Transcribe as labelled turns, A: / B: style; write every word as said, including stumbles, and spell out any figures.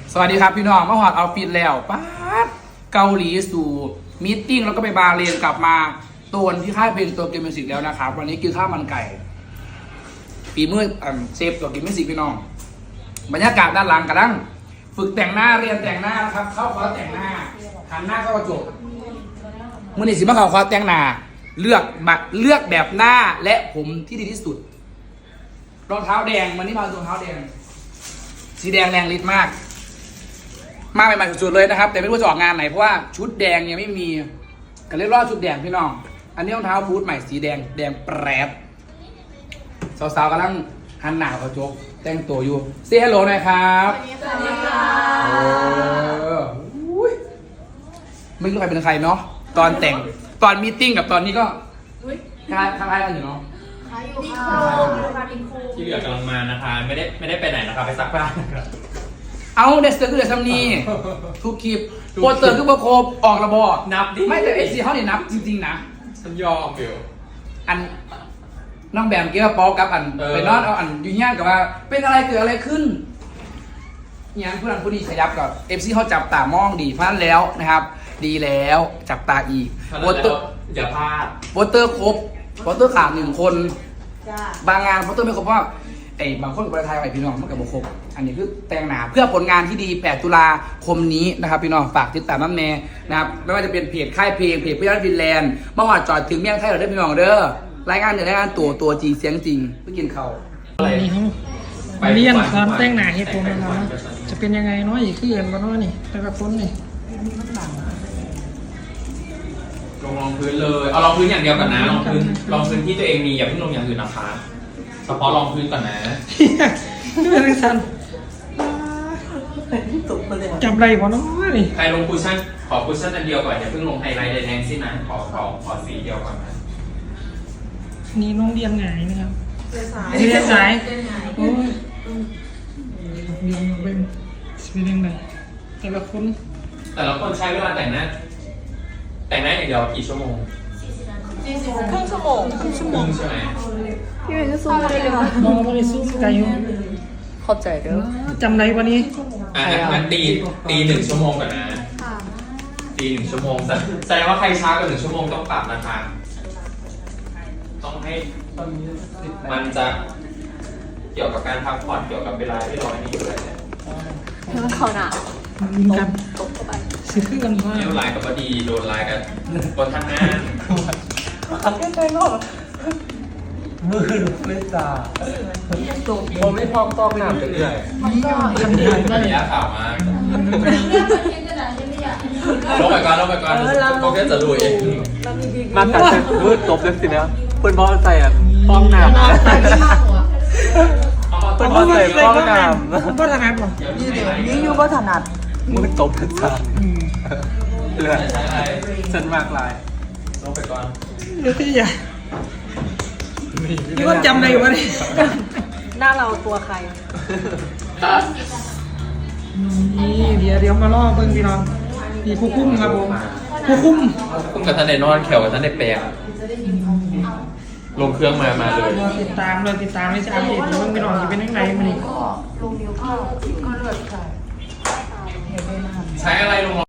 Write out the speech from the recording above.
A: สวัสดีครับพี่น้องมาหอดเอาฟิตแล้วป๊าดเกาหลีสู่มีตติ้งแล้วก็ไปบาเลนกลับมาโตนที่ค่ายเพลงตัวเกมมิวสิกแล้วนะครับวันนี้กินข้าวมันไก่ปีมือเซฟตัวเกมมิวสิกพี่น้องบรรยากาศด้านหลังกำลังฝึกแต่งหน้าเรียนแต่งหน้านะครับเข้าคอร์สแต่งหน้าหันหน้าเข้ากระจกมือนี่สิมาเข้าคอร์สแต่งหน้าเลือกมาเลือกแบบหน้าและผมที่ดีที่สุดรองเท้าแดงวันนี้มารองเท้าแดงสีแดงแรงฤทธิ์มากมาใหม่ๆสุดๆเลยนะครับแต่ไม่รู้จะออกงานไหนเพราะว่าชุดแดงยังไม่มีก็เลยรอดชุดแดงพี่น้องอันนี้รองเท้าบูทใหม่สีแดงแดงแปรบสาวๆกำลังหันหน้ากระจกแต่งตัวอยู่เซฮัลโหลหน่อยครับสวัสดีค่ะไม่รู้ใครเป็นใครเนาะตอนแต่งตอนมีตติ้งกับตอนนี้ก็คล้ายคล้ายกันอยู่เนาะ
B: ที่เหลือกำลังมานะคะไม่ได้ไม่ได้ไปไหนนะคะไปซักผ้านะครับ
A: เอาเดสเตอร์คือเดซัมนีทุกคลิปโปสเตอร์คือประโคบออกระบอก
B: นับดิ
A: ไม่แต่เอซีเขาเนี่ยนับจริงๆนะ
B: ฉันยอมเบล
A: อันน้องแบมเกี่ยวกับป๊อกกับอันไปนอนเอาอันยุ่งยากกับว่าเป็นอะไรเกิดอะไรขึ้นเนี่ยผู้นั้นผู้นี้ขยับกับเอฟซีเขาจับตามองดีเพราะนั้นแล้วนะครับดีแล้วจับตาอีกโปสเตอร์
B: อย่าพลาด
A: โปสเตอร์ครบโปสเตอร์ขาดหนึ่งคนบางงานโปสเตอร์ไม่ครบเพราะไอ้บางคนกับประเทศไทยไอ้พี่น้องมันกับบุคคลอันนี้คือแต่งหนาเพื่อผลงานที่ดีแปดตุลาคมนี้นะครับพี่น้องฝากติดตามน้ำแน่นะครับไม่ว่าจะเป็นเพจค่ายเพลงเพจพี่ยันฟินแลนด์เมื่อวานจอดถึงเมี่ยงไทยเราได้พี่น้องเด้อรายงานเดี๋ยวรายงานตัวตัวจริงเสียงจริงเพื่อกินเขา
C: วันนี้เขาเรียนสอนแต่งหน้าให้ผมนะครับจะเป็นยังไงน้อยอีกขึ้นมาน้อยนี่แต่ละคนนี่
B: ลงรองพื้นเลยเอารองพื้นอย่างเดียวก่อนนะรองพื้นรองพื้นที่ตัวเองมีอย่าเพิ่งลงอย่างอื่นนะคะเฉพาะรองพื้นก่อนนะ
C: นี่เป็นสันจำไรวะน้อยนี่
B: ใครลงคุชชั่นขอคุชชั่นอันเดียวก่อนอย่าเพิ่งลงไฮไลท์แดงๆสินะขอขอขอสีเดียวก่อนนะ
C: นี่น้องเรียนไงนะครับเรียนสายโอ้ยเรียนเป็นเป็นยังไงแต่ละคน
B: แต่ละคนใช้เวลาแต่งหน้าแต่งหน้าอย่างเดียวกี่ชั่วโมง
D: ครึ่งชั่วโมงครึ่งชั่วโมง
B: ใช่ไหม
D: พี่เป็นสู้ได้เลยค่ะ
C: มองไปสู้ไกลอยู่
D: เข้าใจเด้อ
C: จำไรวันนี้
B: อ่ะงั้นตีตีหนึ่งชั่วโมงก่อนนะตีหนึ่งชั่วโมงแสดงว่าใครช้ากว่าหนึ่งชั่วโมงต้องปรับนะคะต้องให้มันจะเกี่ยวกับการพักผ่อนเกี่ยวกับเวลาที่เราไม่อยู่เลยเนี่ย
D: มันเขาหนา
C: มีกัน
D: ตกเข้าไป
C: ซื้อขึ้นกันว่า
B: เลี้ยวลายกับพอดีโดนลายกันบนทางหน้า
E: ไม่ใช่หรอกมือไม่จ่าผมไม่พร้อมต้องหนามไปเรื่อย
C: ทำได้ไหม
B: ระยะข่าวมาลงไปก่อนลงไปก่อนโอเคจะลุยเอง
E: มาตัดเสร็จมืดจบเลยสินะเพื่อนบอลใส่อ่ะฟ้องหนามเพื่อนบอลใส่ฟ้องหนาม
C: ก็ถนัดหรอ
D: ยิ่งอยู่ก็ถนัด
E: มืดจบเลยจ้าเลือดฉันมากลาย
B: ลงไปก่อน
C: เดี๋ยวที่ใหญ่นี่ก็จำได้วะนี่
D: หน้าเราตัวใคร
C: นี่เดี๋ยวเดี๋ยวมาล่อเพิ่งพี่น้องนี่ผู้คุ้มครับผมผู้คุ้ม
B: คุ้มกับท่านในนอนแขวกับท่านในแปลงลงเครื่องมามาเลย
C: ติดตามเลยติดตามไม่ใช่อัปเดตเพิ่งพี่น้องจะเป็นยังไงมันนี่
D: ลงนิ้วเข้าก็เลือดใส่
B: ใช้อะไรลง